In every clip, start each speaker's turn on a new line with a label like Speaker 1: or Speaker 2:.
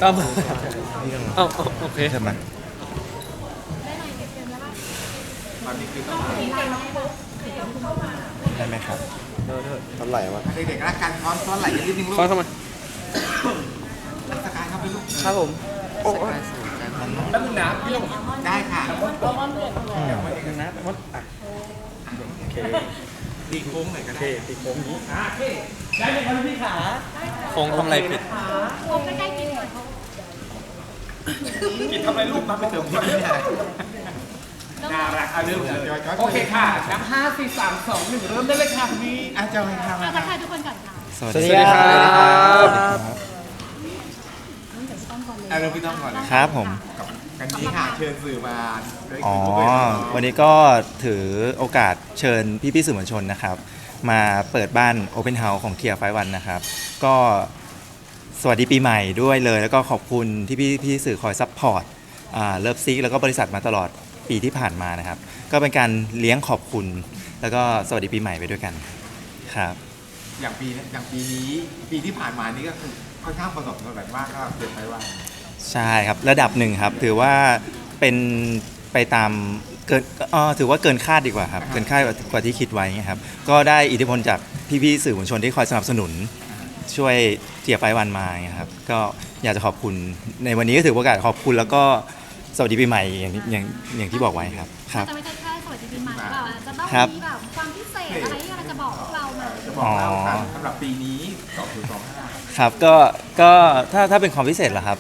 Speaker 1: ก็มาเอ้าโอเค
Speaker 2: ใช่ไหมได้ไหมครับเท่าไหร่วะ
Speaker 3: เด็กๆรักกันซ้อนไหลกันนิดนึงลูก
Speaker 1: ฟ้อนเข้ามา
Speaker 3: สกายเข้าไปลูก
Speaker 1: ครับผมโอ้ย
Speaker 3: ได้ค่ะ
Speaker 1: นะมดอ่ะโอเค
Speaker 3: ตีโค้งหน่อยก็
Speaker 1: โอเค
Speaker 3: ได้
Speaker 1: ตีโค้งนี้ได้เลยครับพี่ขาโค้งทำอะไรผิด
Speaker 4: ผมใกล้ๆกินก่อน
Speaker 3: กินทำอะไรลูกมาไปเติมพริกไม่ได้น่ารักเอาเริ่มเลยโอเคค่ะนับ5 4 3 2 1เริ่มได้เลยค่ะพี่อาจารย์ให้ทำ
Speaker 4: ทักทายทุกคนก่อนค่ะ
Speaker 2: สวัส
Speaker 1: สวัส
Speaker 2: ดี
Speaker 1: ดีครับ
Speaker 4: เริ่มจากพี่ต้อมก่อนเลย
Speaker 3: เอาเริ่มพี่ต้องก่อนเลย
Speaker 2: ครับผม
Speaker 3: กับกันนี้ค่ะเชิญสื่อมาด้วย
Speaker 2: อ๋อ
Speaker 3: คุยกับน้อง
Speaker 2: วันนี้ก็ถือโอกาสเชิญพี่ๆสื่อมวลชนนะครับ มาเปิดบ้าน Open House ของ Tier 51นะครับ ก็สวัสดีปีใหม่ด้วยเลย แล้วก็ขอบคุณที่พี่สื่อคอยซัพพอร์ตเลิฟซิกแล้วก็บริษัทมาตลอดปีที่ผ่านมานะครับ ก็เป็นการเลี้ยงขอบคุณ แล้วก็สวัสดีปีใหม่ไปด้วยกันครับ
Speaker 3: อย่างปีนี้ปีที่ผ่านมานี่ก็คือค่อนข้างประสบความสำเร็จมากก็เกิดไปว่า
Speaker 2: ใช่ครับระดับหนึ่งครับถือว่าเป็นไปตามเกินถือว่าเกินคาดดีกว่าครับเกินคาดกว่าที่คิดไว้ครับก็ได้อิทธิพลจากพี่ๆสื่อมวลชนที่คอยสนับสนุนช่วยเจียร์ไฟวันมาครับก็อยากจะขอบคุณในวันนี้ก็ถือโอกาสขอบคุณแล้วก็สวัสดีปีใหม่อย่างที่บอกไว้ครับครับ
Speaker 4: จะไม่ใช่แค่สวัสดีปีใหม่หรือเปล่าจะต้อง
Speaker 2: ครับ
Speaker 4: มีแบบความพิเศษอะไรที่เราจะบอกพวกเราไหม
Speaker 3: จะบอกเล่ากันสำหรับปีนี้2025
Speaker 2: ครับก็ถ้าเป็นความพิเศษเหรอครับ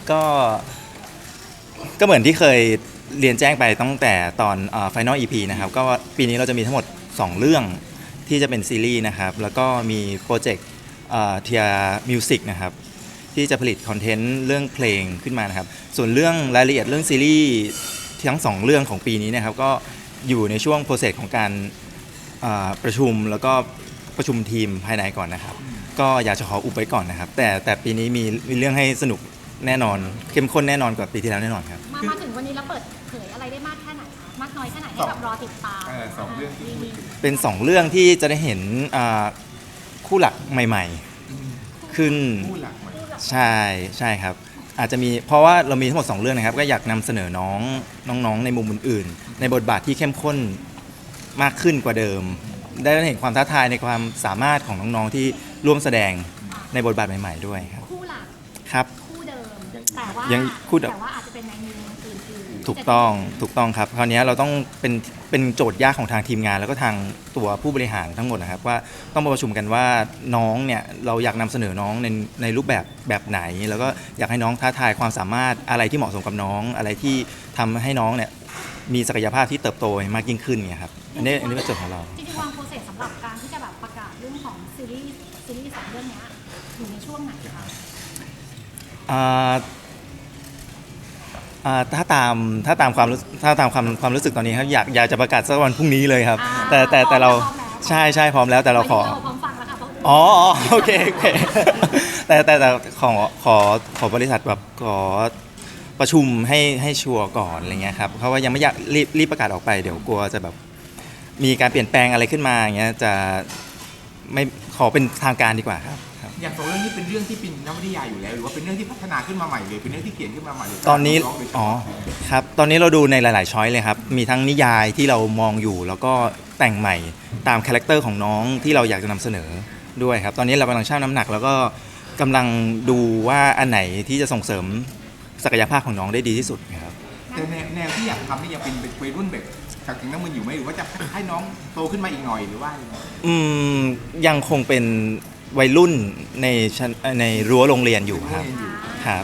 Speaker 2: ก็เหมือนที่เคยเรียนแจ้งไปตั้งแต่ตอน Final EP นะครับก็ปีนี้เราจะมีทั้งหมด 2 เรื่องที่จะเป็นซีรีส์นะครับแล้วก็มีโปรเจกต์เทียมิวสิกนะครับที่จะผลิตคอนเทนต์เรื่องเพลงขึ้นมานะครับส่วนเรื่องรายละเอียดเรื่องซีรีส์ทั้ง 2 เรื่องของปีนี้นะครับก็อยู่ในช่วงโปรเซสของการประชุมแล้วก็ประชุมทีมภายในก่อนนะครับก็อยากจะขออุบไว้ก่อนนะครับแต่ปีนี้มีเรื่องให้สนุกแน่นอนเข้มข้นแน่นอนกว่าปีที่แล้วแน่นอนครับ
Speaker 4: มาถึงวันนี้แล้วเปิดเผยอะไรได้มากแค่ไหนคะมากน้อยแค่ไหนให้แบบรอติดตาม
Speaker 3: สองเรื่องที่พูดถึง
Speaker 2: เป็น 2 เรื่องที่จะได้เห็นคู่หลักใหม่ๆขึ้น
Speaker 3: ผู้หลักใหม่
Speaker 2: ใช่ครับอาจจะมีเพราะว่าเรามีทั้งหมด 2 เรื่องนะครับก็อยากนำเสนอน้องๆในมุมอื่นๆในบทบาทที่เข้มข้นมากขึ้นกว่าเดิม ได้เห็นความท้าทายในความสามารถของน้องๆที่ร่วมแสดงในบทบาทใหม่ๆด้วยครับ
Speaker 4: คู่หลัก
Speaker 2: ครับ
Speaker 4: คู่เดิมแต่ว่า
Speaker 2: ยังคู่เดิม
Speaker 4: แต่ว่าอาจจะเป็นในมุมอื่นๆ
Speaker 2: ถูกต้องครับคราวนี้เราต้องเป็นโจทย์ยากของทางทีมงาน แล้วก็ทางตัวผู้บริหารทั้งหมดนะครับว่าต้องมาประชุมกันว่าน้องเนี่ยเราอยากนำเสนอน้องในรูปแบบไหน แล้วก็อยากให้น้องท้าทายความสามารถอะไรที่เหมาะสมกับน้องอะไรที่ทำให้น้องเนี่ยมีศักยภาพที่เติบโตมากยิ่งขึ้นเนี่ยครับอันนี้เป็นโจทย์ของเรา
Speaker 4: จริงๆวางโปรเซสสำหรับการที่จะแบบประกาศเรื่องของซีรีส์สองเรื่องเนี้ยอยู่ในช่วงไหนคะ
Speaker 2: ถ้าตามความรู้สึกตอนนี้ครับอยากจะประกาศสักวันพรุ่งนี้เลยครับ แต่เราใช่พร้อมแล้วแต่เราขอ
Speaker 4: พร้อมฟังแล้วค่ะเพราะ
Speaker 2: อ๋อโอเค แต่ขอบริษัทแบบขอประชุมให้ชัวร์ก่อนอะไรเงี้ยครับเพราะว่ายังไม่อยากรีบประกาศออกไปเดี๋ยวกลัวจะแบบมีการเปลี่ยนแปลงอะไรขึ้นมาอย่างเงี้ยจะไม่ขอเป็นทางการดีกว่าครับ
Speaker 3: อย่างสองเรื่องนี้เป็นเรื่องที่เป็นนวนิยายอยู่แล้วหรือว่าเป็นเรื่องที่พัฒนาขึ้นมาใหม่เลยเป็นเรื่องที่เขียนขึ้นมาใหม่เลย
Speaker 2: ตอนนี้ครับตอนนี้เราดูในหลายๆช้อยเลยครับมีทั้งนิยายที่เรามองอยู่แล้วก็แต่งใหม่ตามคาแรคเตอร์ของน้องที่เราอยากจะนำเสนอด้วยครับตอนนี้เรากำลังชั่งน้ำหนักแล้วก็กำลังดูว่าอันไหนที่จะส่งเสริมศักยภาพของน้องได้ดีที่สุดครับ
Speaker 3: แต่แนวที่อยากทำนี่ยังเป็นวัยรุ่นแบบจากถึงน้ำมันอยู่ไหมหรือว่าจะให้น้องโตขึ้นมาอีกหน่อยหรือว่า
Speaker 2: ยังคงเป็นวัยรุ่นในรั้วโรงเรียนอยู่ครับครับ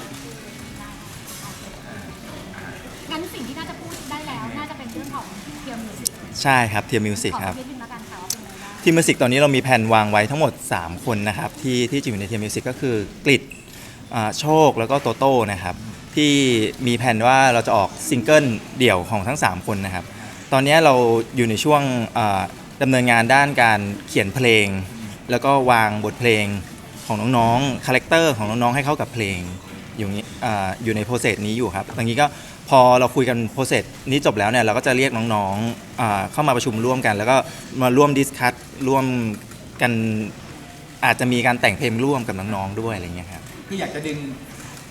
Speaker 4: งั้นสิ่งที่น่าจะพูดได้แล้วน่าจะเป็นเรื่องของเทียมมิวสิก
Speaker 2: ใช่ครับเทียมมิวสิกครับ
Speaker 4: ขอนิดนึงแล้วกันค่ะว่าเป็นอะไรบ้าง
Speaker 2: ทีมมิวสิกตอนนี้เรามีแผนวางไว้ทั้งหมด 3 คนนะครับที่จะอยู่ในทีมมิวสิกก็คือกฤษโชคแล้วก็โตโต้นะครับที่มีแผนว่าเราจะออกซิงเกิลเดี่ยวของทั้ง 3 คนนะครับตอนนี้เราอยู่ในช่วงดำเนินงานด้านการเขียนเพลง แล้วก็วางบทเพลงของน้องๆคาแรคเตอร์ของน้องๆให้เข้ากับเพลงอยู่ในโปรเซสนี้อยู่ครับตรงนี้ก็พอเราคุยกันโปรเซสนี้จบแล้วเนี่ยเราก็จะเรียกน้องๆเข้ามาประชุมร่วมกัน แล้วก็มาร่วมดิสคัทร่วมกันอาจจะมีการแต่งเพลงร่วมกับน้องๆด้วยอะไรเงี้ยครับ
Speaker 3: คืออยากจะดึง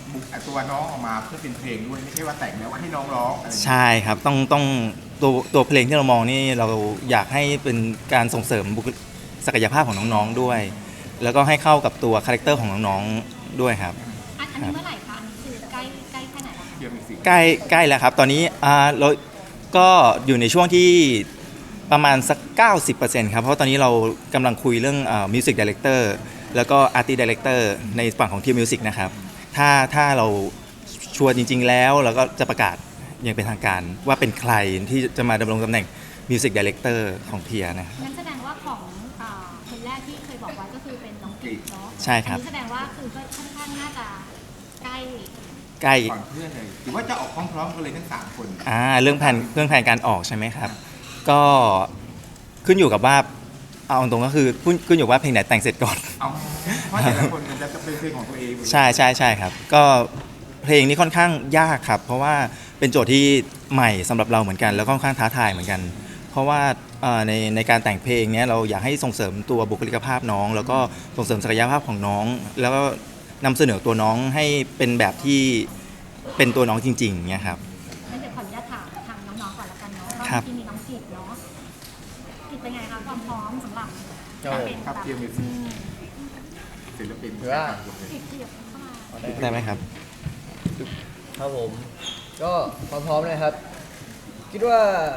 Speaker 3: บุกตัวน้องออกมาเพื่อเป็นเพลงด้วยไม่ใช่ว่าแต่งแล้วให้น้องร้องอะไรอย่างเงี้ย
Speaker 2: ใช่ครับต้องตัวเพลงที่เรามองนี่เราอยากให้เป็นการส่งเสริมศักยภาพของน้องๆด้วย แล้วก็ให้เข้ากับตัวคาแรคเตอร์ของน้องๆด้วยครับ
Speaker 4: อันนี้เมื่อไหร่คะอันนี้คือใกล้แค่ไหนแล้วคะ
Speaker 3: เดี๋ยวมีสิ
Speaker 2: ใกล้แล้วครับ ตอนนี้เราก็อยู่ในช่วงที่ประมาณสัก 90%ครับเพราะตอนนี้เรากำลังคุยเรื่องมิวสิกดีเลกเตอร์แล้วก็อาร์ติสต์ดีเลกเตอร์ในฝั่งของทีมมิวสิกนะครับถ้าเราชัวร์จริงๆแล้วเราก็จะประกาศอย่างเป็นทางการว่าเป็นใครที่จะมาดำรงตำแหน่งมิวสิกดีเลกเตอร์ของเทียนะครับ
Speaker 4: งั้นแสดงว่าของคนแรกที่เคยบอกไว้ก็คือเป็นน้องกิจเนาะ
Speaker 2: ใช่ครับ
Speaker 4: อันนี้แสดงว่าคือก็ค่อนข้างน่าจะใกล้
Speaker 2: ใกล้
Speaker 3: ก่อนเพื่อนเลยหรือว่าจะออกพร้อมๆกันเลยทั้ง3 คน
Speaker 2: เรื่องแผนการออกใช่ไหมครับ ก็ขึ้นอยู่กับว่าเอาตรงๆก็คือขึ้นอยู่ว่าเพลงไหนแต่งเสร็จก่อน
Speaker 3: เอาเพราะแต่ละคนมันจะเป็นเพลงของตัวเอง
Speaker 2: ใช่ครับก็เพลงนี้ค่อนข้างยากครับ เพราะว่าเป็นโจทย์ที่ใหม่สำหรับเราเหมือนกัน แล้วก็ค่อนข้างท้าทายเหมือนกัน เพราะว่าในการแต่งเพลงเนี้ยเราอยากให้ส่งเสริมตัวบุคลิกภาพน้อง แล้วก็ส่งเสริมศักยภาพของน้อง แล้วก็นำเสนอตัวน้องให้เป็นแบบที่เป็นตัวน้องจริงๆเนี่ยครับ
Speaker 4: งั้นเดี๋ยวขออนุญาตถามทางน้องๆก่อนละกันเนาะว่า
Speaker 2: ครับ
Speaker 4: ที่มีน้องกิจเนาะกิจเป็นไงคะความพร้อมสำหรับ
Speaker 3: ครับ
Speaker 4: เป็น
Speaker 3: ครับ
Speaker 4: แบบ
Speaker 3: เทียมมิวสิกศิลปิน
Speaker 5: หรือว่า
Speaker 4: กิจเข้ามา
Speaker 2: ได้ไหมครับ
Speaker 5: ครับผมก็พร้อมๆเลยครับ คิดว่า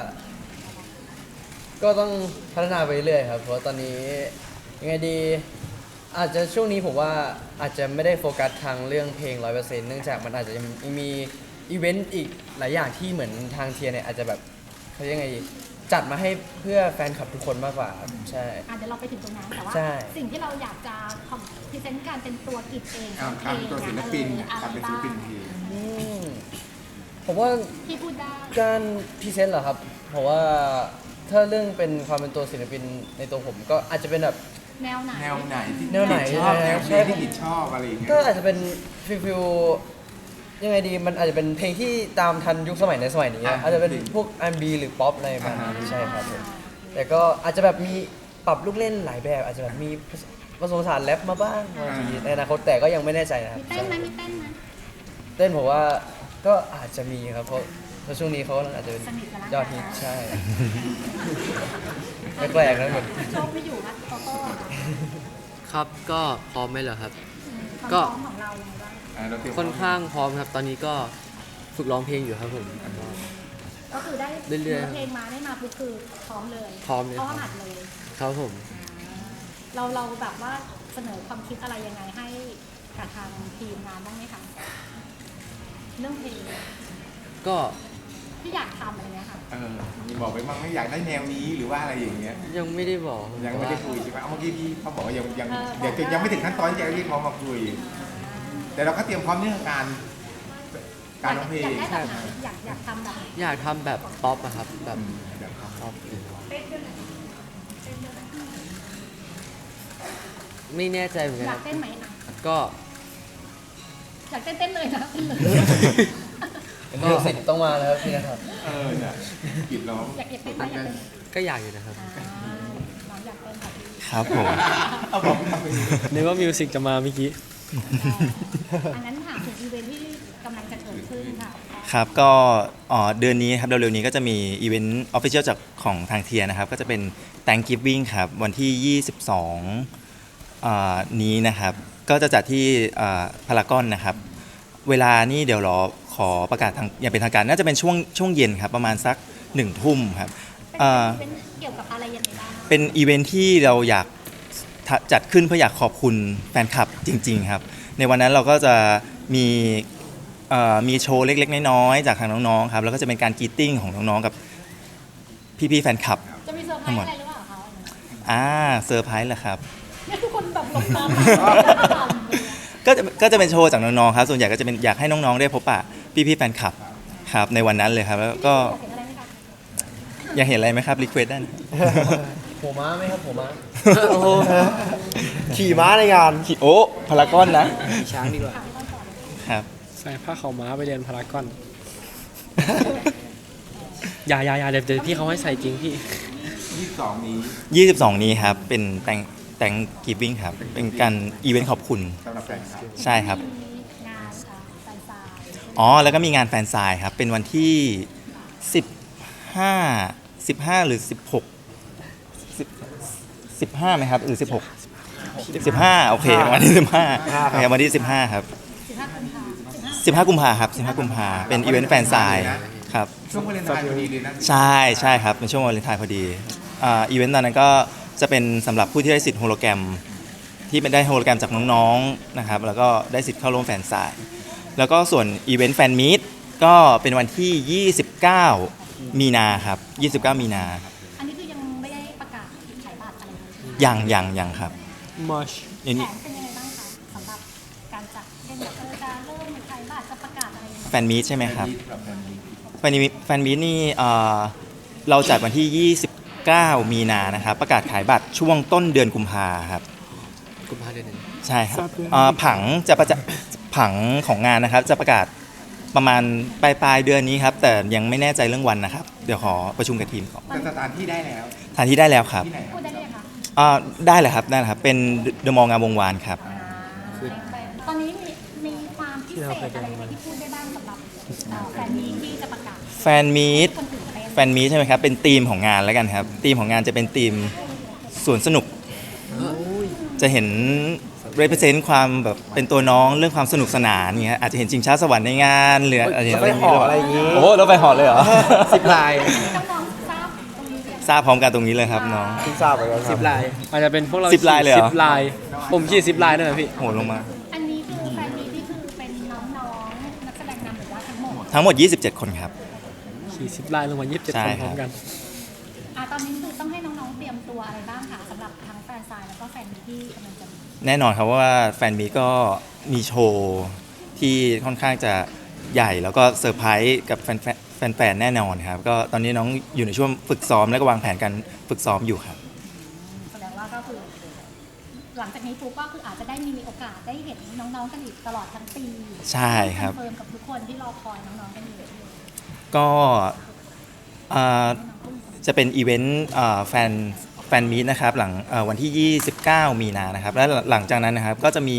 Speaker 5: ก็ต้องพัฒนาไปเรื่อยครับ เพราะตอนนี้ยังไงดี อาจจะช่วงนี้ผมว่าอาจจะไม่ได้โฟกัสทางเรื่องเพลง 100% เนื่องจากมันอาจจะยังมีอีเวนต์อีกหลายอย่างที่เหมือนทางเทียเนี่ยอาจจะแบบเขาเรียกไงดีจัดมาให้เพื่อแฟนคลับทุกคนมากกว่าครับใช่
Speaker 4: เดี๋ยวเราไปถึงตรงนั้นแต่ว่า
Speaker 5: ใช่
Speaker 4: สิ่งที่เราอยากจะพรีเซนต์การเป็นตัวกิจเอง
Speaker 3: การตัวศิลปิน
Speaker 4: อะ
Speaker 3: การ
Speaker 4: ไร
Speaker 3: เป็นศิ
Speaker 4: บ้า
Speaker 3: ล
Speaker 4: ง
Speaker 3: ปินเพลง
Speaker 5: อืมผมว่า
Speaker 4: ที่พูดได้
Speaker 5: การพรีเซนต์เหรอครับเพราะว่าถ้าเรื่องเป็นความเป็นตัวศิลปินในตัวผมก็อาจจะเป็นแบบ
Speaker 4: แนวไหน
Speaker 3: แนวไหนที่
Speaker 5: แนวไหน
Speaker 3: ชอบแนวเพลง
Speaker 5: ใช่
Speaker 3: ที่กิจชอบอะไรอย่างเงี้ย
Speaker 5: ก็อาจจะเป็นฟิลยังไงดีมันอาจจะเป็นเพลงที่ตามทันยุคสมัยในสมัยนี้อาจจะเป็นพวก R&B หรือป๊อปอะไรประมาณนี้ใช่ครับผมแต่ก็อาจจะแบบมีปรับลูกเล่นหลายแบบอาจจะแบบมีผสมผสานแรปมาบ้างบางทีในอนาคตแต่ก็ยังไม่แน่ใจนะครับ
Speaker 4: มีเต้นไหมมีเต้นไหม
Speaker 5: เต้นผมว่าก็อาจจะมีครับเพราะช่วงนี้เขาอาจจะเป็น
Speaker 4: สนิทกันแล้ว
Speaker 5: ยอดฮิตใช่แปลกๆนะเหมือน
Speaker 4: โชคไม่อยู่นะโตโต้อะค่ะ
Speaker 6: ครับก็พร้อมไหมเหรอครับ
Speaker 4: ความ
Speaker 6: ก็
Speaker 4: พร้อมของเรายังไงบ้าง
Speaker 3: เราเตรียม
Speaker 6: ค่อนข้างพร้อมครับ ตอนนี้ก็ฝึกร้องเพลงอยู่ครับผม
Speaker 4: ก็คือได้
Speaker 6: เรื่อยๆ
Speaker 4: เพลงมาได้มาปุ๊บคือพร้อมเลย
Speaker 6: พร้อมเลย
Speaker 4: พร้อม
Speaker 6: ครับ
Speaker 4: หัดเลย
Speaker 6: ครับผม
Speaker 4: เราแบบว่าเสนอความคิดอะไรยังไงให้กับทางทีมงานบ้างไหมคะเรื่องเพลง
Speaker 6: ก็
Speaker 4: ที่อยากทำอะไรเงี้ยค่ะ
Speaker 3: มีบอกไปบ้างไม่อยากได้แนวนี้หรือว่าอะไรอย่างเงี้ย
Speaker 6: ยังไม่ได้บอก
Speaker 3: ยังไม่ได้คุยใช่ไหมเอาเมื่อกี้พี่เขาบอกว่ายัง
Speaker 4: เออ
Speaker 3: เดี๋ยวยังไม่ถึงขั้นตอนที่จะเรียกเขามาคุย แต่เราก็เตรียมพร้อมเรื่องการร้องเพล
Speaker 4: อยาง กได้แบบไหนอยากทำแบบไหน
Speaker 6: อยากทำแบบป๊อปอะครับ แบบ
Speaker 3: เดี๋ยวครับ
Speaker 6: ป๊อปไม่แน่ใจเหมือนกัน
Speaker 4: อ
Speaker 6: ค
Speaker 4: ยา
Speaker 6: รั
Speaker 4: ก
Speaker 6: บ
Speaker 4: เต้นไหมอ่ะ
Speaker 6: ก็
Speaker 4: อยากเต้นเลยนะเต้นเลย
Speaker 5: มิวสิกต้องมาแล้วครับพี่นะครับ
Speaker 3: เนี่ยกิดร้อง
Speaker 4: อยากเต้นไหมอยากเต้น
Speaker 6: ก็อยากอยู่นะครับ
Speaker 4: น้องอยากเต้นค่ะพี่
Speaker 2: ครับผม
Speaker 3: เอาบอกมาไป
Speaker 6: นึกว่ามิวสิกจะมาเมื่อกี้
Speaker 4: อันนั้นถามถึงอีเวนท์ที่กำลังจะเกิดขึ้นค่ะ
Speaker 2: ครับก็เดือนนี้ครับเร็วๆนี้ก็จะมีอีเวนต์ออฟฟิเชียลจากของทางเทียนะครับก็จะเป็น Thanksgiving ครับวันที่ 22นี้นะครับก็จะจัดที่พารากอนนะครับเวลานี่เดี๋ยวรอขอประกาศทางอย่างเป็นทางการน่าจะเป็นช่วงเย็นครับประมาณสัก1 ทุ่มครับ
Speaker 4: เป็นเกี่ยวกับอะไรยังไงบ้าง
Speaker 2: เป็นอีเวนท์ที่เราอยากจัดขึ้นเพื่ออยากขอบคุณแฟนคลับจริงๆครับในวันนั้นเราก็จะมีโชว์เล็กๆน้อยๆจากทางน้องๆครับแล้วก็จะเป็นการกรีตติ้งของน้องๆกับพี่ๆแฟนคลับ
Speaker 4: จะมีเซอร์ไพรส์อะไรหรือเปล่าคะ
Speaker 2: เซอร์ไพรส์เหรอครับ
Speaker 4: เนี่ยทุกคนแบบหลงตาม
Speaker 2: ก็จะเป็นโชว์จากน้องๆครับส่วนใหญ่ก็จะเป็นอยากให้น้องๆได้พบปะพี่ๆแฟนคลับครับในวันนั้นเลยครับแล้วก็
Speaker 4: อยากเห็นอะไรไหมคะ
Speaker 2: อยากเห็นอะไรไหมครับรีเควสได้นะ
Speaker 5: หัวม้าไหมครับหัวม้า
Speaker 6: โอ้โห
Speaker 2: ขี่ม้าในงานขี่โอ้พารากอนนะ
Speaker 6: ช้างดีกว่า
Speaker 2: ครับ
Speaker 7: ใส่ผ้าขาวม้าไปเรียนพารากอน อย่าเดี๋ยวพี่เขาให้ใส่จริงพี่
Speaker 3: 22 นี้
Speaker 2: 22 นี้ครับเป็นแต่งกีวิ่งครับเป็นการอีเวนต์ขอบคุณ
Speaker 3: สำหรับแฟนคลับ
Speaker 2: ใช่ครับ
Speaker 4: มีงานค่ะแต่
Speaker 2: อ๋อแล้วก็มีงานแฟนไซน์ครับเป็นวันที่ 15หรือ15ไหมครับหรือ15โอเควันที่15ครับวันที่15ครับ15กุมภาครับ15กุมภาเป็นอีเวนต์แฟนไซน์ครับ
Speaker 3: ช่วงวาเลนไทน์พอดีเลยนะ
Speaker 2: ใช่ครับเป็นช่วงวาเลนไทน์พอดีอีเวนต์ตอนนั้นก็จะเป็นสำหรับผู้ที่ได้สิทธิ์โฮโลแกรมที่เป็นได้โฮโลแกรมจากน้องๆนะครับแล้วก็ได้สิทธิ์เข้าร่วมแฟนไซน์แล้วก็ส่วนอีเวนต์แฟนมีตก็เป็นวันที่ 29 มีนาครับ29 มีนา
Speaker 4: อันนี้คือยังไม่ได้ประกาศขายบัตรอะไรเลยใช่ไหม
Speaker 2: ยังครับ
Speaker 7: มอช
Speaker 2: อัน
Speaker 4: แผ
Speaker 2: นี้
Speaker 4: นเป็นยังไงบ้างคะสำหรับการจัดเป็นแบบจะเริ่มขายบัตรจะประกาศอะไรยังไง
Speaker 2: แฟนมีตใช่ไหมครับแฟนมีตนี่เราจัดวันที่ 29 มีนานะครับประกาศขายบัตรช่วงต้นเดือนกุมภาครับ
Speaker 6: กุมภาเดือนหนึ่ง
Speaker 2: ใช่ครับผังของงานนะครับจะประกาศประมาณปลายเดือนนี้ครับแต่ยังไม่แน่ใจเรื่องวันนะครับเดี๋ยวขอประชุมกับทีมก่อน
Speaker 3: แต่สถานที่ได้แล้ว
Speaker 2: สถานที่ได้แล้วครับ
Speaker 3: ที่ไหนค
Speaker 4: พู
Speaker 3: รับ
Speaker 4: ดได้เลยค่ะ
Speaker 2: ได้เลยครับเป็นเดอะมอลล์งามวงวานครับ
Speaker 4: ตอนนี้มีความพิเศษอะไรไหมที่พูดได้บ้างสำหรับแฟนมีตที่จะประกาศ
Speaker 2: แฟนมีต
Speaker 4: คนตื่นเต้น
Speaker 2: แฟนมีตใช่ไหมครับเป็นธีมของงานแล้วกันครับธีมของงานจะเป็นธีมสวนสนุกจะเห็น represent ความแบบเป็นตัวน้องเรื่องความสนุกสนานอย่างเงี้ยอาจจะเห็นชิงช้าสวรรค์ในงานหรืออะไรอย่างเงี้ย
Speaker 5: อะไรอย่างงี้
Speaker 2: โอ้โหเราไปหอเลยเหรอ
Speaker 5: 10 ลาย
Speaker 4: น้องๆทราบตรงนี้หรือยัง
Speaker 2: ทราบพร้อมกันตรงนี้เลยครับน้อง
Speaker 5: ที่ทราบไปแล้วค
Speaker 7: สิ
Speaker 5: รับบ
Speaker 7: ลายอาจจะเป็นพวกเรา
Speaker 2: 10ลายเลยเหรอ
Speaker 7: 10 ลาย ผมขี่10 ลายด้วยนะพี่
Speaker 2: โหลงมา
Speaker 4: อันนี้คือแฟนมีตนี่คือเป็นน้องๆนักแสดงนำหรือว่าทั้งหมด
Speaker 2: ทั้งหมด 27 คนครับ
Speaker 7: ขี่10 ลายลงมา27
Speaker 2: ใช่
Speaker 7: คน
Speaker 2: ค
Speaker 7: พ
Speaker 2: รับ
Speaker 7: ร้อมกัน
Speaker 4: ตอนนี้คือต้องให้น้องๆเตรียมตัวอะไรบ้างคะสำหรับทั้งแฟนซายแล้วก็แฟนมีตที่กำลังจะมี
Speaker 2: แน่นอนครับว่าแฟนมีก็มีโชว์ที่ค่อนข้างจะใหญ่แล้วก็เซอร์ไพรส์กับแฟนๆแน่นอนครับก็ตอนนี้น้องอยู่ในช่วงฝึกซ้อมและก็วางแผนการฝึกซ้อมอยู่ครับ
Speaker 4: แสดงว่าก็คือ หลังจากนี้ปุ๊บก็คืออาจจะได้มีโอกาสได้เห็นน้องๆกันอีกตลอดทั้งปี
Speaker 2: ใช่ครับ
Speaker 4: อนเฟิร์มกับทุกคนที่รอคอยน้องๆกันอยู่
Speaker 2: ก็จะเป็นอีเวนต์แฟนมีตนะครับหลังวันที่ 29 มีนานะครับและหลังจากนั้นนะครับก็จะมี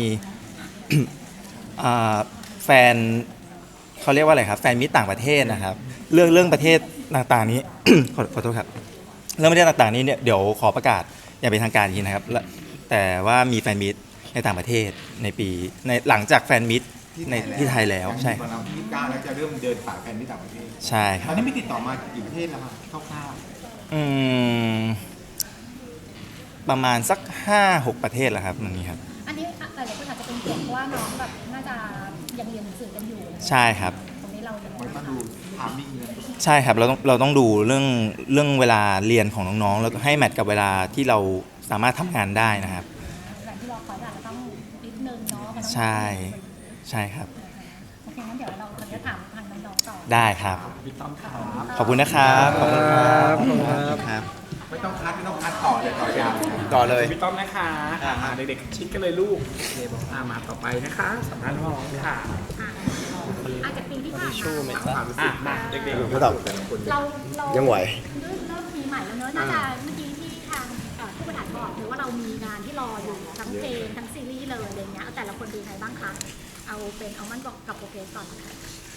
Speaker 2: แฟนเขาเรียกว่าอะไรครับแฟนมีตต่างประเทศนะครับเรื่องประเทศต่างๆนี้ ขอโทษครับเรื่องประเทศต่างๆนี้เนี่ยเดี๋ยวขอประกาศอย่างเป็นทางการอีกทีนะครับแต่ว่ามีแฟนมีตในต่างประเทศในปีในหลังจากแฟนมีตในที่ไทยแล้วใช่
Speaker 3: ตอนเราที่9แล้วจะเริ่มเดินสายแฟนที่ต่างประเทศ
Speaker 2: ใช่ค
Speaker 3: ต
Speaker 2: รั
Speaker 3: อบ นนี้มีติดต่อมากี่ประเทศแล้วครับคร่าว
Speaker 2: อืมประมาณสัก 5-6 ประเทศแล้วครับตรงนี้ครับ
Speaker 4: อันนี้หลายๆคนอาจจะเป็นห่วงเพราะว่าน้องแบบน่าจะยังเรียนหนังสือกันอยู่
Speaker 2: ใช่ครับ
Speaker 4: ตรงนี้เรายัง
Speaker 3: ๆ
Speaker 4: ไง
Speaker 3: มันต้
Speaker 4: บ้า
Speaker 3: อง งดูทามมิ่งเลย
Speaker 2: ใช่ครับเราต้องดูเรื่องเวลาเรียนของน้องๆแล้วก็ให้แมทกับเวลาที่เราสามารถทำงานได้นะครับ
Speaker 4: แบบที่รอคอยอาจจะต้องนิดนึงเนาะมันต้อง
Speaker 2: ใช่ใช่ครับ
Speaker 4: โอเคงั้นเดี๋ยวเราจะถามทางน้องๆต่อ
Speaker 2: ได้ครับ
Speaker 3: พี่ต้อมครับ
Speaker 2: ขอบคุณนะครับขอบคุณครับ
Speaker 7: ขอบคุณครับ
Speaker 2: ครับ
Speaker 3: ไม่ต้องคัดต่อเลยต่อยาว
Speaker 5: ต่อเลย
Speaker 3: พี่ต้อมนะคะเด็กๆชิดกันเลยลูกมาต่อไปนะคะสัมภาษณ์น้องค่ะ
Speaker 4: อาจจะปีที่ผ่านมา
Speaker 3: ความรู้สึกมาเด็กๆ
Speaker 5: ไม่ต้อง
Speaker 3: แต่ละคน
Speaker 4: เรา
Speaker 5: ยังไหว
Speaker 4: เริ่มปีใหม่แล้วเนอะน่าจะเมื่อกี้ที่ทางผู้บริหารบอกหรือว่าเรามีงานที่รออยู่ทั้งเพลงทั้งซีรีส์เลยอะไรเงี้ยเอาแต่ละคนดูไงบ้างคะเอาเป็นเอามันบอกกับโปรเกรสก่อนนะคะ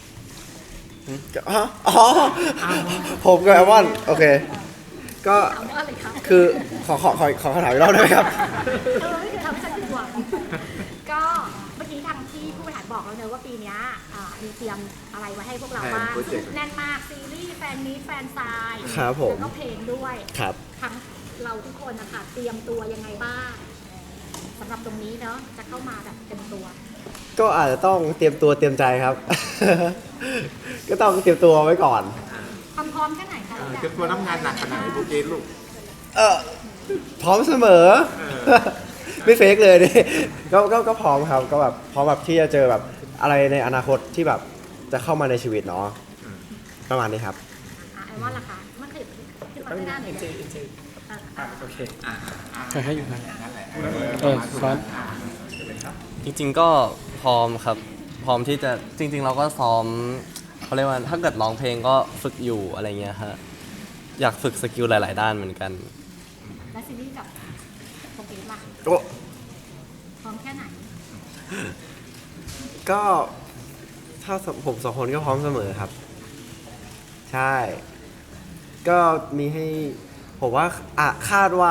Speaker 5: อ๋อผมกับแอมอนโอเค ก็
Speaker 4: เอาว่าอะไรคะ
Speaker 5: คือขอคำถามอีกรอบได้ไหมครับ
Speaker 4: ไม่เคยทำให้ฉันผิดหวังก็เมื่อกี้ทางที่ผู้บริหารบอกแล้วเนอะว่าปีเนี้ยมีเตรียมอะไรไว้ให้พวกเราบ้างแน่นมากซีรีส์แฟนมีตแฟนซาย
Speaker 5: ครับผม
Speaker 4: แล้วก็เพลงด้วย
Speaker 5: ครับ
Speaker 4: ทั้งเราทุกคนนะคะเตรียมตัวยังไงบ้างสำหรับตรงนี้เนาะจะเข้ามาแบบเต็มตัว
Speaker 5: ก็อาจจะต้องเตรียมตัวเตรียมใจครับ ก็ต้องเตรียมตัวไว้ก่อน
Speaker 4: พร้อมแค่ไหนคะ
Speaker 3: เตรียมตัวรับงานหนักขนาดไหนโปรเกรสลูก
Speaker 5: พร้อมเสมอ ไม่เฟกเลยดิก็พร้อมครับ ก็แบบพร้อมแบบที่จะเจอแบบอะไรในอนาคตที่แบบจะเข้ามาในชีวิตเนาะประมาณนี้ครับ
Speaker 4: ไอ้ว่าล่ะคะมันคือมาไม่ได้หน่อยเลย
Speaker 3: โอเค
Speaker 7: ให้อยู่นะ
Speaker 3: นั่นแหละ
Speaker 7: ซ้อน
Speaker 6: จริงๆก็พร้อมครับ พร้อมที่จะจริง ๆ เราก็ซ้อมเขาเรียกว่าถ้าเกิดร้องเพลงก็ฝึกอยู่อะไรเงี้ยฮะอยากฝึกสกิลหลาย ๆ ด้านเหมือนกัน
Speaker 4: และซีรีส์กับโปรเกรสล่ะ
Speaker 5: โอ้
Speaker 4: พร้อมแค่ไหน
Speaker 5: ก็
Speaker 8: ถ้าผมสองคนก็พร้อมเสมอครับ ใช่ ก็มีให้ผมว่าคาดว่า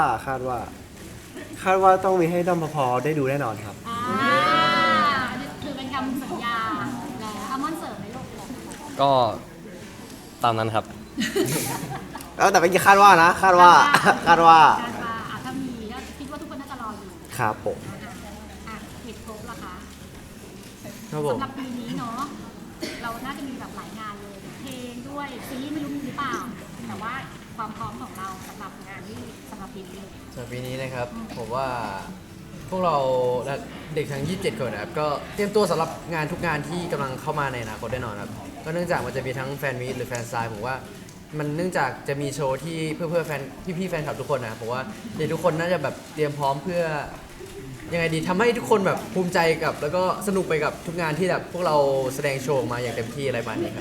Speaker 8: ต้องมีให้ด้อมพอได้ดูแน่นอนครับ
Speaker 4: อันนี้คือเป็นคำสัญญาแล้วอัลมอนด์เสิร์ฟในโลกเลย
Speaker 6: ก็ตามนั้นครับ
Speaker 8: แล้วแต่เป็นคาดว่านะคาดว่า
Speaker 4: การว่าถ้ามีก็คิดว่าทุกคนน่าจะรออยู่
Speaker 8: ครับผม
Speaker 4: ผิดครบละคะ
Speaker 8: ครับผม
Speaker 4: สำหรับปีนี้เนาะเราน่าจะมีแบบหลายงานเลยเพลงด้วยซีรีส์ไม่รู้มีหรือเปล่าแต่ว่าความพร้อมของเราสำหรับงานที่สำหรับปีนี้
Speaker 5: สำหรับปีนี้นะครับผมว่าพวกเราและเด็กทั้ง 27 คนนะครับก็เตรียมตัวสำหรับงานทุกงานที่กำลังเข้ามาในอนาคตแน่นอนครับก็เนื่องจากมันจะมีทั้งแฟนมีตหรือแฟนไซน์ผมว่ามันเนื่องจากจะมีโชว์ที่เพื่อแฟนพี่ๆแฟนคลับทุกคนนะครับผมว่าเด็กทุกคนน่าจะแบบเตรียมพร้อมเพื่อยังไงดีทำให้ทุกคนแบบภูมิใจกับแล้วก็สนุกไปกับทุกงานที่แบบพวกเราแสดงโชว์ออกมาอย่างเต็มที่อะไรประมาณนี้ครับ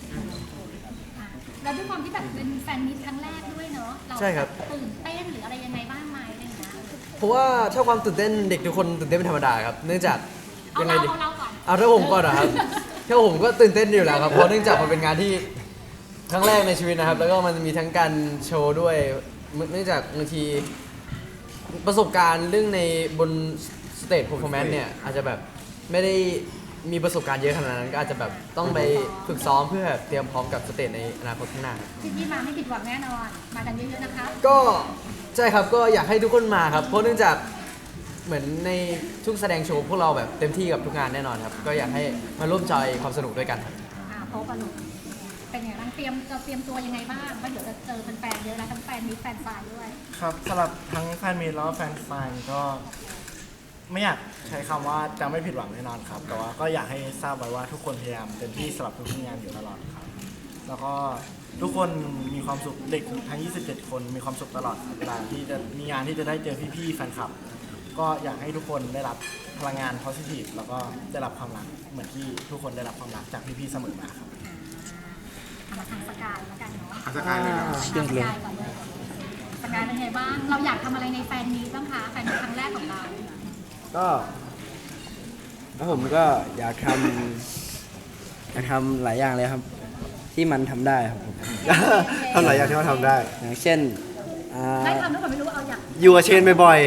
Speaker 4: แล้วด้วยความที่แบบเป็นแฟนมิตครั้งแรกด้วยเนาะเรา
Speaker 5: ใช่ครับ
Speaker 4: ตื่นเต้นหรืออะไรยังไงบ้างไหมอะไรอย่างเงี้ย
Speaker 5: เพราะว่าถ้าความตื่นเต้นเด็กทุกคนตื่นเต้นเป็นธรรมดาครับเนื่องจาก
Speaker 4: เอา
Speaker 5: ยังไง
Speaker 4: เรา
Speaker 5: ดี
Speaker 4: เอาเราก่อน
Speaker 5: เอาถ้าผมก่อนนะครับ ถ้าผมก็ตื่นเต้นอยู่แล้วครับ เพราะเนื่องจากมันเป็นงานที่ครั้งแรกในชีวิตนะครับ แล้วก็มันมีทั้งการโชว์ด้วย เนื่องจากบางทีประสบการณ์เรื่องในบนสเตจ performance เนี่ยอาจจะแบบไม่ได้มีประสบการณ์เยอะขนาดนั้นก็อาจจะแบบต้องไปฝึกซ้อมเพื่อเตรียมพร้อมกับสเตจในอนาคตข้างหน้าครับ
Speaker 4: ที่มาไม่ผิดหวังแน่นอนมากันเยอะๆนะคะ
Speaker 5: ก็ใช่ครับก็อยากให้ทุกคนมาครับเพราะเนื่องจากเหมือนในทุกแสดงโชว์พวกเราแบบเต็มที่กับทุกงานแน่นอนครับก็อยากให้มาร่วมจอยความสนุกด้วยกันครับ
Speaker 4: โพสต์กันลูกเป็นไงบ้างเราเตรียมตัวยังไงบ้างว่าเดี๋ยวจะเจอแฟนๆเยอะแล้วทั้งแฟนมิตรแฟนไซน์ด้วย
Speaker 9: ครับสำหรับทั้งแฟนมีตแล้วก็แฟนไซน์ก็ไม่อยากใช้คำว่าจะไม่ผิดหวังแน่นอนครับ แต่ว่าก็อยากให้ทราบไว้ว่าทุกคนพยายามเต็มที่สำหรับทุกงานอยู่ตลอดครับ แล้วก็ทุกคนมีความสุขเด็กทั้ง 27 คนมีความสุขตลอดเวลาที่จะมีงานที่จะได้เจอพี่ๆแฟนคลับ ก็อยากให้ทุกคนได้รับพลังงาน positive แล้วก็ได้รับความรักเหมือนที่ทุกคนได้รับความรักจากพี่ๆเสมอมาครับ
Speaker 4: มาทางสกายแล้วกันเนาะ
Speaker 3: สกายเลยครับ
Speaker 4: ทางสกายก่อนเลยสกายเป็นไงบ้าง เราอยากทำอะไรในแฟนมีตบ้างคะแฟนมีตครั้งแรกของเรา
Speaker 10: ก็แล้วผมก็อยากทำหลายอย่างเลยครับ ที่มันทำได้ครับผม
Speaker 8: ทำหลายอย่างที่เขาทำได้
Speaker 10: อย่างเช่น
Speaker 4: ได้ทำหรือเปล่าไม่รู้เอาอยาก
Speaker 8: อยู่กับเชนบ่อย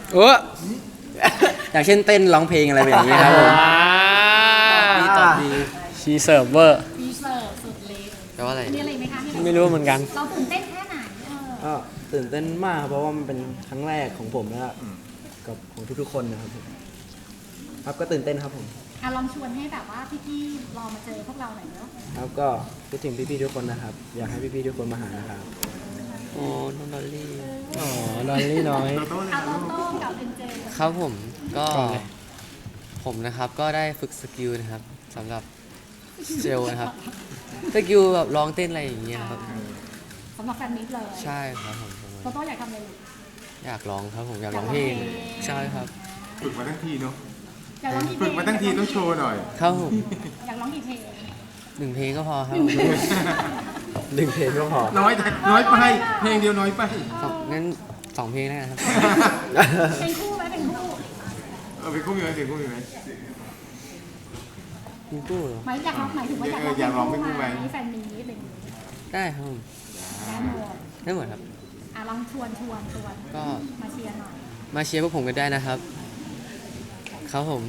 Speaker 10: อย่างเช่นเต้นร้องเพลงอะไรแบบนี้ครับผมดีตอบดี
Speaker 7: ชีเซิร์ฟเวอร์
Speaker 4: ฟีเซอร์สุดเล็ก
Speaker 5: แปลว่าอะไร
Speaker 4: มีอะไรไหมคะที่
Speaker 7: ไม่รู้เหมือนกัน
Speaker 4: เราตื่นเต้นแค่ไหน
Speaker 10: ก็ตื่นเต้นมากครับเพราะว่ามันเป็นครั้งแรกของผมนะครับกับของทุกๆคนนะครับผมครับก็ตื่นเต้นครับผม
Speaker 4: ลองชวนให้แบบว่าพี่ๆรอมาเจอพวกเราหน่อยเนาะ
Speaker 10: ครับก็คิดถึงพี่ๆทุกคนนะครับ อยากให้พี่ๆทุกคนมาหานะครับโอ้น้องดอลลี่
Speaker 7: อ๋อ ดอลลี่น้อย
Speaker 4: โตโต้กับเอ็นเจ
Speaker 6: ครับผมก็
Speaker 7: ก่อนเลย
Speaker 6: ผมนะครับก็ได้ฝึกสกิลนะครับสำหรับเจลนะครับสกิลแบบร้องเต้นอะไรอย่างเงี้ยครับ
Speaker 4: สำหรับแฟนมิตรเลย
Speaker 6: ใช่ครับผม
Speaker 4: โตโต้อยากทำอะไรลูก
Speaker 6: อยากร้องครับผมอยากร้องเพลงใช่ครับ
Speaker 3: ฝึกมาทั้งทีเนาะ
Speaker 4: อยากร้องกี่เพล
Speaker 3: ฝึ
Speaker 4: ง
Speaker 3: กมาทั้งทีต้องโชว์หน่อย
Speaker 6: ครับผม
Speaker 4: อยากร้องกี่เพลง
Speaker 6: 1 เพลงก็พอครับ
Speaker 8: ๆ 1 เพลงก็พอ
Speaker 3: น้อยไปเพลงเดียวน้อยไป
Speaker 6: งั้น 2 เพลงแล้วกันครับ
Speaker 4: เป็นคู่ไหมเป็นคู่
Speaker 3: เป็นคู่มีไหมเป็นคู่มีไหม
Speaker 6: มีกู้เหรอ
Speaker 4: หมายอยากร้องหมายถึงว่าอยากร้อง
Speaker 3: อยากร้องเป็นคู่ไหม
Speaker 4: แฟนมีตอะไรอย่างงี้
Speaker 6: ได้ครับผม
Speaker 4: ได้หมด
Speaker 6: ได้หมดครับ
Speaker 4: ลองชวน
Speaker 6: ก็
Speaker 4: มาเชียร์หน่อย
Speaker 6: มาเชียร์พวกผมกันได้นะครับ ครับผม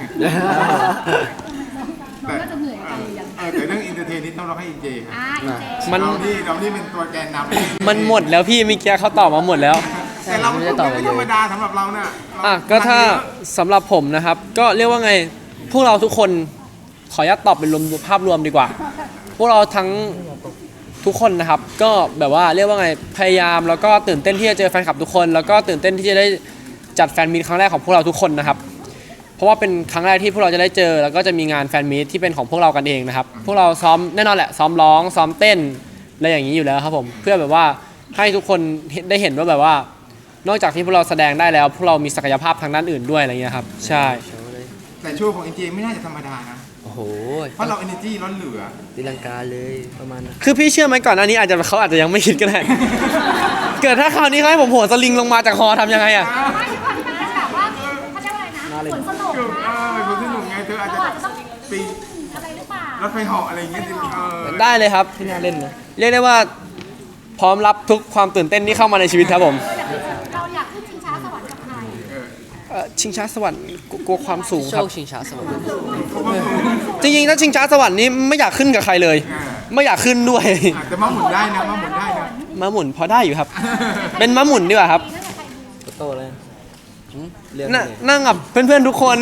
Speaker 4: น้องก็จะเหนื่อยกันอย่าง
Speaker 3: แต่เรื่องอินเตอร์เทนนี่ต้องร้องให้อินเจครับ
Speaker 4: อีเจ
Speaker 7: มัน
Speaker 3: เรานี่เป็นตัวแกนนำ
Speaker 7: มันหมดแล้วพี่เมื่อกี้เขาตอบมาหมดแล้ว
Speaker 3: แต่เราไม่ธรรมดาสำหรับเราเนี่ย
Speaker 7: ก็ถ้าสำหรับผมนะครับ ก็เรียกว่าไง พวกเราทุกคนขออนุญาตตอบเป็นรวมภาพรวมดีกว่า พวกเราทั้งทุกคนนะครับ ก็แบบว่าเรียกว่าไงพยายามแล้วก็ตื่นเต้นที่จะเจอแฟนคลับทุกคน แล้วก็ตื่นเต้นที่จะได้จัดแฟนมีตครั้งแรกของพวกเราทุกคนนะครับ เพราะว่าเป็นครั้งแรกที่พวกเราจะได้เจอ แล้วก็จะมีงานแฟนมีตที่เป็นของพวกเรากันเองนะครับ พวกเราซ้อมแน่นอนแหละซ้อมร้องซ้อมเต้นอะไรอย่างนี้อยู่แล้วครับผมเพื่อแบบว่าให้ทุกคนได้เห็นว่าแบบว่า นอกจากที่พวกเราแสดงได้แล้ว พวกเรามีศักยภาพทางด้านอื่นด้วยอะไรเงี้ยครับใช่
Speaker 3: แต่โชว์ของอินเจไม่น่าจะธรรมดานะ
Speaker 10: โอ้โห
Speaker 3: เพราะเรา energy ล้นเหลือ
Speaker 10: ตีลังกาเลยประมาณนั้น
Speaker 7: คือพี่เชื่อไหมก่อนหน้านี้เขาอาจจะยังไม่คิดก็ได้ เกิดถ้าคราวนี้เขาให้ผมโหนสลิงลงมาจากฮอทำยังไงอะ
Speaker 4: ไม่ใช่ความที่มันเป็นแบบว่าเขาเรียกว่าอะไรนะสวนสนุกนะ
Speaker 3: คนสนุกไงเธออาจจะ
Speaker 4: เราอาจจะต้อง
Speaker 3: ปี
Speaker 4: อะไรหรือเปล่า
Speaker 3: รถไฟเหาะอะไรอย่างเงี้ยดิ
Speaker 7: ได้เลยครับ
Speaker 10: ที่น่าเล่นนะ
Speaker 7: เรียกได้ว่าพร้อมรับทุกความตื่นเต้นที่เข้ามาในชีวิตครับผม
Speaker 4: เราอยากขึ้นชิงช้าสวรรค์กับใคร
Speaker 7: ชิงช้าสวรรค์กลัวความสูง
Speaker 5: โช
Speaker 7: ครับ
Speaker 5: คชิงช้าสวรรค์
Speaker 7: จริงๆถ้าชิงช้าสวรรค์นี้ไม่อยากขึ้นกับใครเลย ไม่อยากขึ้นด้วย
Speaker 3: แต่มาหมุนได้นะมาหมุนได้นะ
Speaker 7: ม้าหมุนพอได้อยู่ครับ เป็นม้าหมุนดีกว่าครับ
Speaker 10: โตเลยเรื่อง
Speaker 7: นนั่งกับเพื่อนๆทุกคน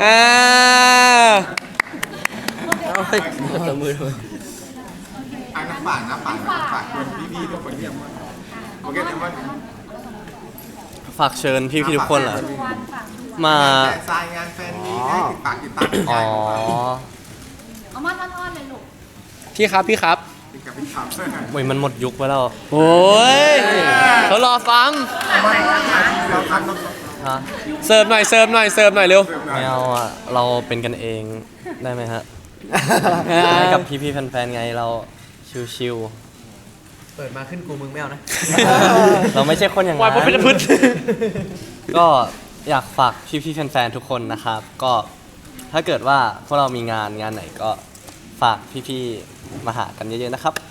Speaker 10: ตบมือด้วย
Speaker 3: น้ำฝากคนพี่ๆทุกคนที่ยังโอเคแต่ว่า
Speaker 6: ฝากเชิญพี่ๆทุกคนเหรอมา
Speaker 3: แต่ทรายงานแฟนมีให้ติดตาม
Speaker 6: อ๋อ
Speaker 4: เอามาอ้อนๆเลยลูก
Speaker 7: พี่ครับ
Speaker 3: ติดกับพี่ขับ
Speaker 6: โอ้ยมันหมดยุคไปแล้ว
Speaker 7: โอ้ยเขารอฟัง
Speaker 3: เราทำ
Speaker 6: ฮะ
Speaker 7: เสิร์ฟหน่อยเร็ว
Speaker 6: ไม่เอาอ่ะ เราเป็นกันเองได้ไหมฮะ ให้กับพี่ๆแฟนๆไงเราชิว
Speaker 5: เปิดมาขึ้นกูมึงไม่เอานะ
Speaker 6: ๆ เราไม่ใช่คนอย่าง
Speaker 7: วาย
Speaker 6: นั้น
Speaker 7: เป็นพืช
Speaker 6: ก็อยากฝากพี่ๆแฟนๆทุกคนนะครับ ก็ถ้าเกิดว่าพวกเรามีงานไหนก็ฝากพี่ๆมาหากันเยอะๆนะครับ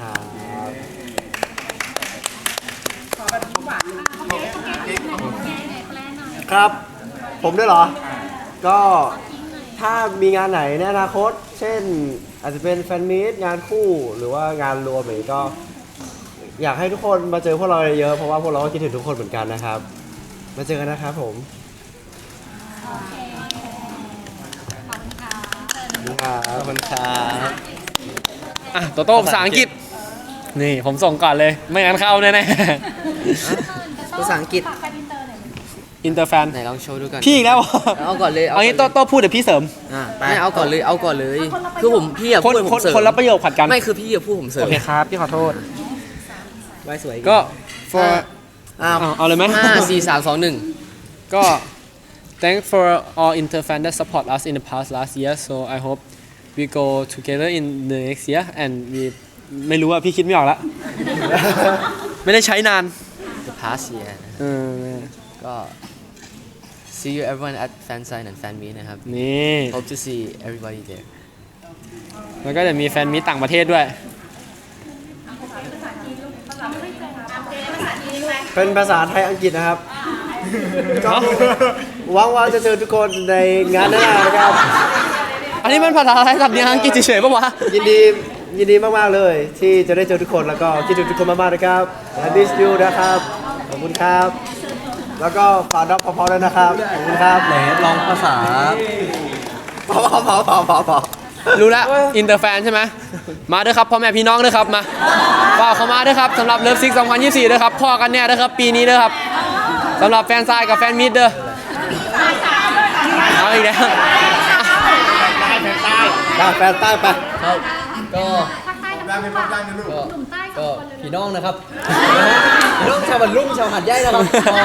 Speaker 8: ครับ ผมด้วยเหรอ ก็ถ้ามีงานไหนในอนาคต เช่นอาจจะเป็นแฟนมีตงานคู่หรือว่างานรวมอะไรก็ อยากให้ทุกคนมาเจอพวกเราเยอะๆเพราะว่าพวกเราก็คิดถึงทุกคนเหมือนกันนะครับ มาเจอกันนะครับผมขอบคุณครับ
Speaker 7: อ่ะโตโต้ภาษาอังกฤษ นี่ผมส่งก่อนเลย ไม่งั้นเข้าแน่
Speaker 5: ภาษาอังกฤษ
Speaker 4: ฝากแฟนอินเตอร์หน่อย
Speaker 7: ๆอินเตอร์แฟน
Speaker 5: ไหนลองโชว์ดูกัน
Speaker 7: พี่อีกแล้ว
Speaker 5: เอาก่อนเลย
Speaker 7: เอางี้โตโต้พูดเดี๋ยวพี่เสริม
Speaker 5: ไม่เอาก่อนเลยคือผมพี่อะ
Speaker 7: คน
Speaker 5: พูดผมเสริม
Speaker 7: คนละประโยคผัดกัน
Speaker 5: ไม่คือพี่อะพูดผมเสริม
Speaker 7: โอเคครับ พี่ขอโทษ
Speaker 10: ไว้สวย
Speaker 7: ก็ for เอาเลยไหม
Speaker 5: 5 4 3 2 1
Speaker 7: ก็ thanks for all interfan that support us in the past last year so I hope we go together in the next year and we ไม่รู้ว่าพี่คิดไม่ออกละ ไม่ได้ใช้นาน
Speaker 5: The past year
Speaker 7: เออ
Speaker 5: ก็ see you everyone at fan sign and fan meet นะครับ
Speaker 7: นี่
Speaker 5: hope to see everybody there
Speaker 7: แล้วก็จะมีแฟนมีตต่างประเทศด้วย
Speaker 8: เป็นภาษาไทยอังกฤษนะครับ ก็หวังว่าจะเจอทุกคนในงานหน้านะครับ
Speaker 7: อันนี้มันภาษาไทยสำเนียงอังกฤษเฉยๆปะวะ
Speaker 8: ยินดีมากๆเลย ที่จะได้เจอทุกคนแล้วก็คิดถึงทุกคนมากๆนะครับ I miss you นะครับขอบคุณครับ แล้วก็ฝากด็อกพอๆด้วยนะครับขอบคุณครับ
Speaker 6: ไหนลองภาษา
Speaker 8: พอ
Speaker 7: รู้แล้วอินเตอร์แฟนใช่ไหมมาด้วยครับพ่อแม่พี่น้องด้วยครับมาฝากเขามาด้วยครับสำหรับเลิฟซิก2024ด้วยครับพ่อกันแน่ด้วยครับปีนี้ด้วยครับสำหรับแฟนซายกับแฟนมิดเด้อเอาอีกแล้ว
Speaker 8: แฟนใต้ไป
Speaker 5: ครับก็
Speaker 4: ภาคใต้กับ
Speaker 3: ได้เป็นภาคใต้นะลูก
Speaker 4: หนุ่มใต้ส
Speaker 5: ก็
Speaker 4: องคนเลย
Speaker 5: พี่น้องนะครับ พี่น้องชาวบันลุ่มชาวหัดใหญ่นะครับก็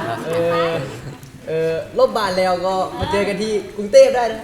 Speaker 5: ลบบานแล้วก็มาเจอกันที่กรุงเทพได้นะ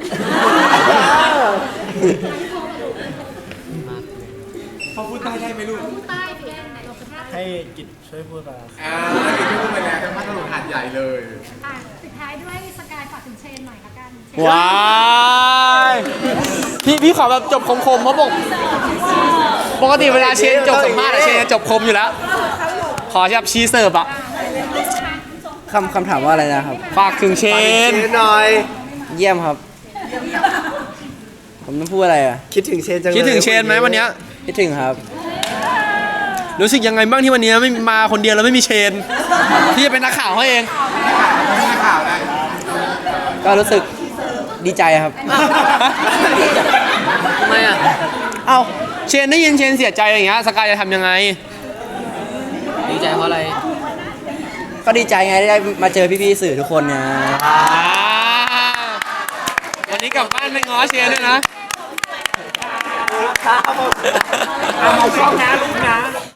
Speaker 3: เขาพูดใต้ได้ไหมลูก
Speaker 4: พูดใต้สิเราเป็นภาค
Speaker 9: ให้กิจช่วยพูดมา
Speaker 3: เด็กที่พูดไปแล้วทั้งพัทลุงหาดใหญ่เลย
Speaker 4: ปิดท้ายด้วยสกายฝากถึงเชนหน่อยละกัน
Speaker 7: ว้ายพี่ขอแบบจบคมๆเพราะปกติเวลาเชนจบสัมภาษณ์อะเชนจะจบคมอยู่แล้ว ขอแบบชีเสิร์ฟอะ
Speaker 10: คำถามว่าอะไรนะครับ
Speaker 7: ฝากถึงเชน
Speaker 8: หน่อย
Speaker 10: เยี่ยมครับ ผมต้องพูดอะไรอ่ะ
Speaker 8: คิดถึงเชนจังเลย
Speaker 7: คิดถึงเชนไหมวันเนี้ย
Speaker 10: คิดถึงครับ
Speaker 7: รู้สึกยังไงบ้างที่วันนี้ไม่มาคนเดียวแล้วไม่มีเชน ที่จะเป็นนักข่าวเขาเอง
Speaker 3: ไม่ข่าวได้
Speaker 10: ก็รู้สึกดีใจครับ
Speaker 5: ทำไมอ่ะ
Speaker 7: เอ้าเชนได้ยินเชนเสียใจอย่างเงี้ยสกายจะทำยังไง
Speaker 5: ดีใจเพราะอะไร
Speaker 10: ก็ดีใจไงได้มาเจอพี่ๆสื่อทุกคนนะ
Speaker 7: วันนี้กลับบ้านไปง้อเชนด้วยนะ
Speaker 3: เอาช่องนะลูกนะ